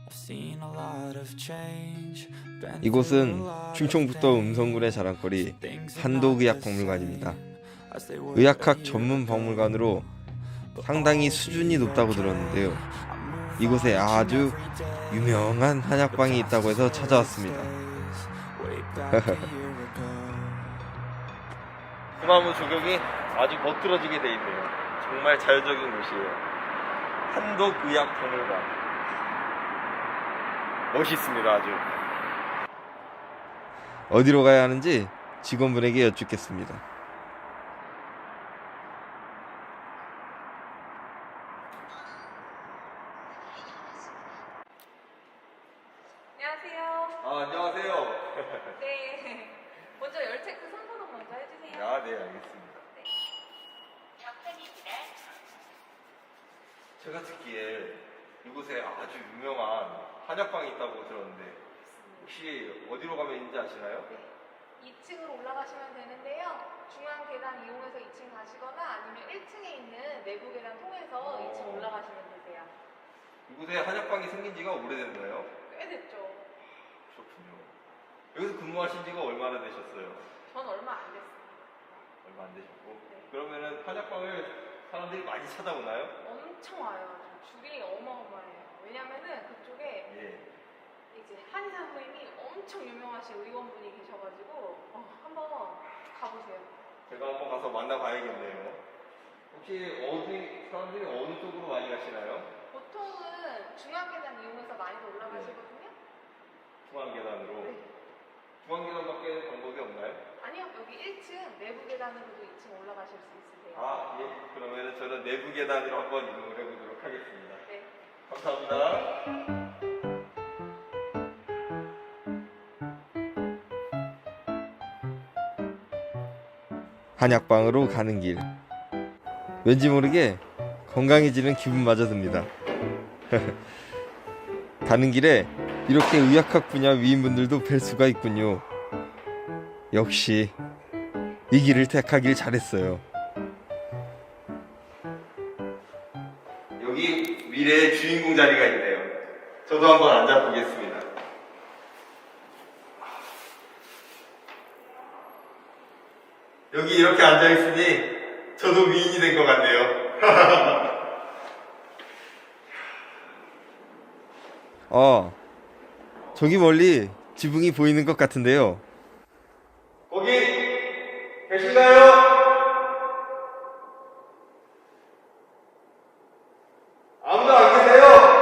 이곳은 충청북도 음성군의 자랑거리 한독의학박물관입니다. 의학학 전문 박물관으로 상당히 수준이 높다고 들었는데요. 이곳에 아주 유명한 한약방이 있다고 해서 찾아왔습니다. 소나무 조경이 아주 멋들어지게 돼 있네요. 정말 자연적인 곳이에요. 한독의학박물관. 멋있습니다. 아주. 어디로 가야 하는지 직원분에게 여쭙겠습니다. 안녕하세요. 안녕하세요. 네. 먼저 열 체크 손소독 먼저 해주세요. 네, 알겠습니다. 네. 제가 듣기에 이곳에 아주 유명한 한약방이 있다고 들었는데 혹시 어디로 가면 있는지 아시나요? 네. 2층으로 올라가시면 되는데요. 중앙 계단 이용해서 2층 가시거나 아니면 1층에 있는 내부 계단 통해서 2층 올라가시면 되세요. 이곳에 한약방이 생긴 지가 오래됐나요? 꽤 됐죠. 그렇군요. 여기서 근무하신 지가 얼마나 되셨어요? 전 얼마 안 됐습니다. 얼마 안 되셨고. 네. 그러면은 한약방을 사람들이 많이 찾아오나요? 엄청 와요. 줄이 어마어마해요. 왜냐면은 그쪽에 이제 한의사 선생님이 엄청 유명하신 의원분이 계셔가지고 한번 가보세요. 제가 한번 가서 만나봐야겠네요. 혹시 사람들이 어느 쪽으로 많이 가시나요? 보통은 중앙 계단 이용해서 많이들 올라가시거든요. 중앙 계단으로. 네. 중앙 계단밖에 방법이 없나요? 아니요, 여기 1층 내부 계단으로도 2층 올라가실 수 있으세요. 예. 그러면 저는 내부 계단으로 한번 이동을 해보도록 하겠습니다. 네. 감사합니다. 한약방으로 가는 길. 왠지 모르게 건강해지는 기분마저 듭니다. 가는 길에 이렇게 의학학 분야 위인분들도 뵐 수가 있군요. 역시 이 길을 택하길 잘했어요. 여기 미래의 주인공 자리가 있네요. 저도 한번 앉아보겠습니다. 여기 이렇게 앉아있으니 저도 위인이 된 것 같네요. 저기 멀리 지붕이 보이는 것 같은데요. 거기 계신가요? 아무도 안 계세요?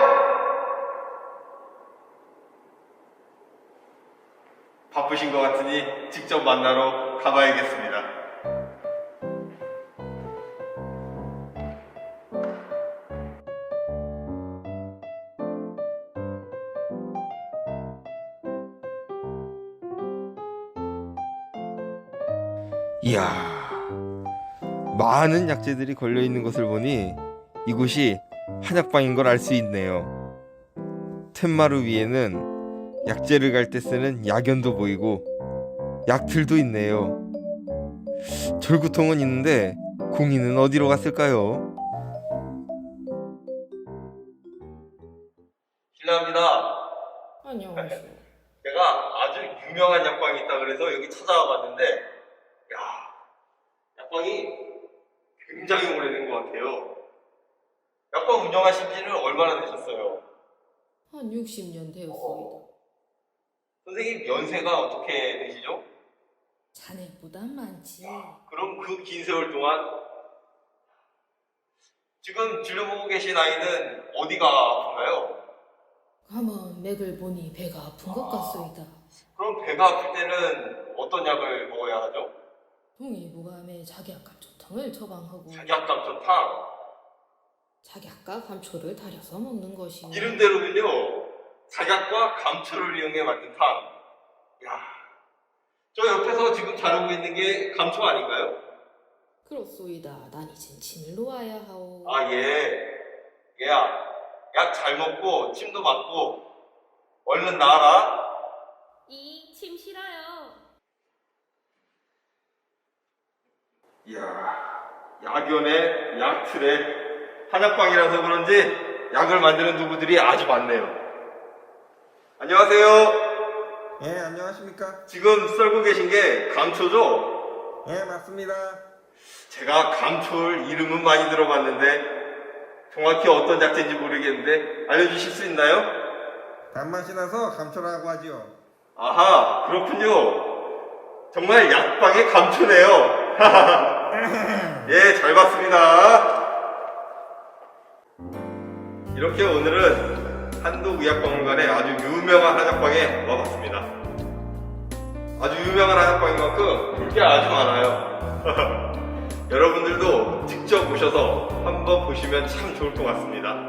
바쁘신 것 같으니 직접 만나러 가봐야겠습니다. 이야, 많은 약재들이 걸려있는 것을 보니 이곳이 한약방인 걸 알 수 있네요. 툇마루 위에는 약재를 갈 때 쓰는 약연도 보이고 약틀도 있네요. 절구통은 있는데 공인은 어디로 갔을까요? 실례합니다. 안녕하세요. 제가 아주 유명한 약방이 있다 그래서 여기 찾아와 봤는데 약방이 굉장히 오래된 것 같아요. 약방 운영하신 지는 얼마나 되셨어요? 한 60년 되었습니다. 선생님 연세가 어떻게 되시죠? 자네보다 많지. 그럼 그 긴 세월 동안 지금 진료보고 계신 아이는 어디가 아픈가요? 가만 맥을 보니 배가 아픈 것 같소이다. 그럼 배가 아플 때는 어떤 약을 먹어야 하죠? 동의보감에 작약감초탕을 처방하고 작약감초탕. 작약과 감초를 달여서 먹는 것이오. 이름대로군요. 작약과 감초를 이용해 만든 탕. 저 옆에서 지금 자르고 있는 게 감초 아닌가요? 그렇소이다. 난 이젠 침을 놓아야 하오. 예. 얘야, 약 잘 먹고 침도 맞고 얼른 나와라. 침 싫어요. 이야, 약연에 약틀에 한약방이라서 그런지 약을 만드는 도구들이 아주 많네요. 안녕하세요. 예, 안녕하십니까? 지금 썰고 계신 게 감초죠? 예, 맞습니다. 제가 감초를 이름은 많이 들어봤는데 정확히 어떤 약재인지 모르겠는데 알려주실 수 있나요? 단맛이 나서 감초라고 하지요. 아하, 그렇군요. 정말 약방의 감초네요. 예, 잘 봤습니다. 이렇게 오늘은 한독의학박물관의 아주 유명한 한약방에 와봤습니다. 아주 유명한 한약방인 만큼 볼 게 아주 많아요. 여러분들도 직접 오셔서 한번 보시면 참 좋을 것 같습니다.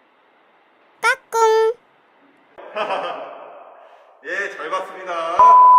예, 잘 봤습니다.